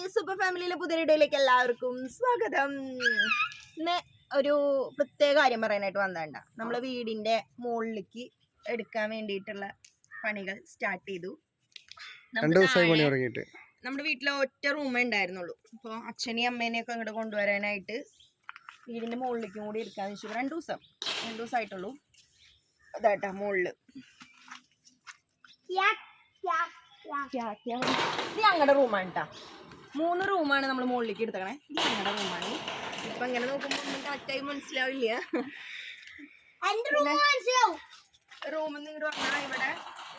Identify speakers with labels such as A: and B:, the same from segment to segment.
A: Super ഫാമിലിയിലെ പുതിയ വീഡിയോയിലേക്ക് എല്ലാവർക്കും സ്വാഗതം. ഇന്ന് ഒരു പ്രത്യേക കാര്യം പറയാനായിട്ട് വന്നേണ്ട. നമ്മള് വീടിന്റെ മുകളിലേക്ക് എടുക്കാൻ വേണ്ടിയിട്ടുള്ള പണികൾ സ്റ്റാർട്ട് ചെയ്തു. നമ്മുടെ വീട്ടിലെ ഒറ്റ റൂമേ ഉണ്ടായിരുന്നുള്ളൂ. അപ്പോൾ അച്ഛനെയും അമ്മേനെയും ഒക്കെ ഇങ്ങോട്ട് കൊണ്ടുവരാനായിട്ട് വീടിന്റെ മുകളിലേക്കും കൂടി എടുക്കാന്ന് വെച്ചു. 2 ദിവസമായിട്ടുള്ളൂ. അതാട്ടാ മുകളില് ഇത് ഞങ്ങളുടെ റൂമാണ് കേട്ടാ. 3 റൂമാണ് നമ്മൾ മുകളിലേക്ക് എടുത്തേ. ഇത് ഞങ്ങളുടെ റൂമാണ്. ഇപ്പൊ ഇങ്ങനെ നോക്കുമ്പോ ഒന്നും കറക്റ്റായി മനസ്സിലാവില്ല. റൂമിൽ നിന്ന് ഇങ്ങോട്ട് പറഞ്ഞാൽ ഇവിടെ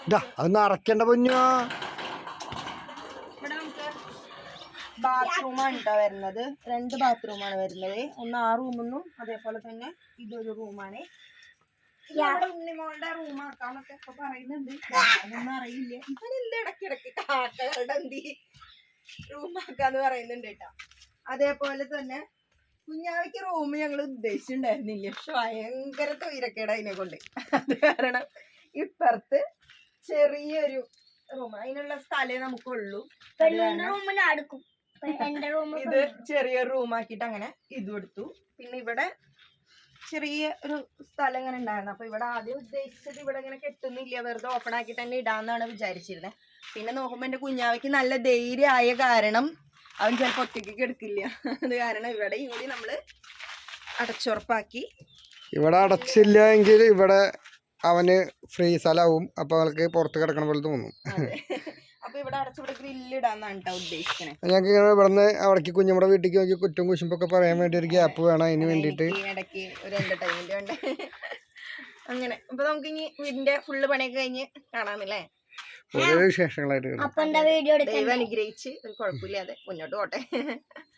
A: നമുക്ക് ബാത്റൂമാണ് കേട്ടോ വരുന്നത്. 2 ബാത്റൂമാണ് വരുന്നത്. ഒന്ന് ആ റൂമൊന്നും അതേപോലെ തന്നെ ഇതൊരു റൂമാണ്. ഉണ്ണിമോളുടെ റൂമാക്കാന്നൊക്കെ ഇപ്പൊ പറയുന്നുണ്ട്. അതൊന്നും അറിയില്ല. ഇവനെന്ത് ഇടക്കിടക്ക് കാക്കകളുടെ എന്തി റൂമാക്കാന്ന് പറയുന്നുണ്ട് കേട്ടോ. അതേപോലെ തന്നെ കുഞ്ഞാവയ്ക്ക് റൂം ഞങ്ങൾ ഉദ്ദേശിച്ചിട്ടുണ്ടായിരുന്നില്ല. പക്ഷെ ഭയങ്കര തൊയിരക്കേട് അതിനെ കൊണ്ട്. അത് കാരണം ഇപ്പുറത്ത് ചെറിയൊരു റൂം, അതിനുള്ള സ്ഥലേ നമുക്കുള്ളൂ. ഇത് ചെറിയൊരു റൂമാക്കിട്ട് അങ്ങനെ ഇതും എടുത്തു. പിന്നെ ഇവിടെ ചെറിയ ഒരു സ്ഥലം ഇങ്ങനെ ഉണ്ടായിരുന്നു. അപ്പൊ ഇവിടെ ആദ്യം ഉദ്ദേശിച്ചത് ഇവിടെ ഇങ്ങനെ കെട്ടുന്നില്ല, വെറുതെ ഓപ്പൺ ആക്കി തന്നെ ഇടാന്നാണ് വിചാരിച്ചിരുന്നത്. പിന്നെ നോക്കുമ്പോ എന്റെ കുഞ്ഞാവയ്ക്ക് നല്ല ധൈര്യമായ കാരണം അവൻ ചിലപ്പോ ഒറ്റയ്ക്ക് എടുക്കില്ല. അത് കാരണം ഇവിടെയും കൂടി നമ്മള് അടച്ചുറപ്പാക്കി.
B: ഇവിടെ അടച്ചില്ല എങ്കിൽ ഇവിടെ അവന് ഫ്രീ സ്ഥലമാവും. അപ്പൊ അവൾക്ക് പുറത്ത് കിടക്കണ പോലെ തോന്നും.
A: അപ്പൊ ഇവിടെ അടച്ചിവിടെ ഗ്രില്ലിടാന്നാണ് കേട്ടോ ഉദ്ദേശിക്കണേ.
B: ഞങ്ങൾക്ക് ഇങ്ങനെ ഇവിടുന്ന് അവിടേക്ക് കുഞ്ഞുമ്മടെ വീട്ടിലേക്ക് നോക്കി കുറ്റും കുശുമ്പൊക്കെ പറയാൻ വേണ്ടി ഒരു ഗ്യാപ്പ് വേണം. അതിന് വേണ്ടിട്ട്
A: ഇടയ്ക്ക് ഒരു എന്റർടൈൻമെന്റ് വേണ്ട. അങ്ങനെ അപ്പൊ നമുക്ക് ഇനി വീടിന്റെ ഫുള്ള് പണിയൊക്കെ കഴിഞ്ഞ് കാണാമല്ലേ.
B: ഓരോ വിശേഷങ്ങളായിട്ട്
A: ദൈവം അനുഗ്രഹിച്ച് ഒരു കുഴപ്പമില്ലാതെ മുന്നോട്ട് പോട്ടെ.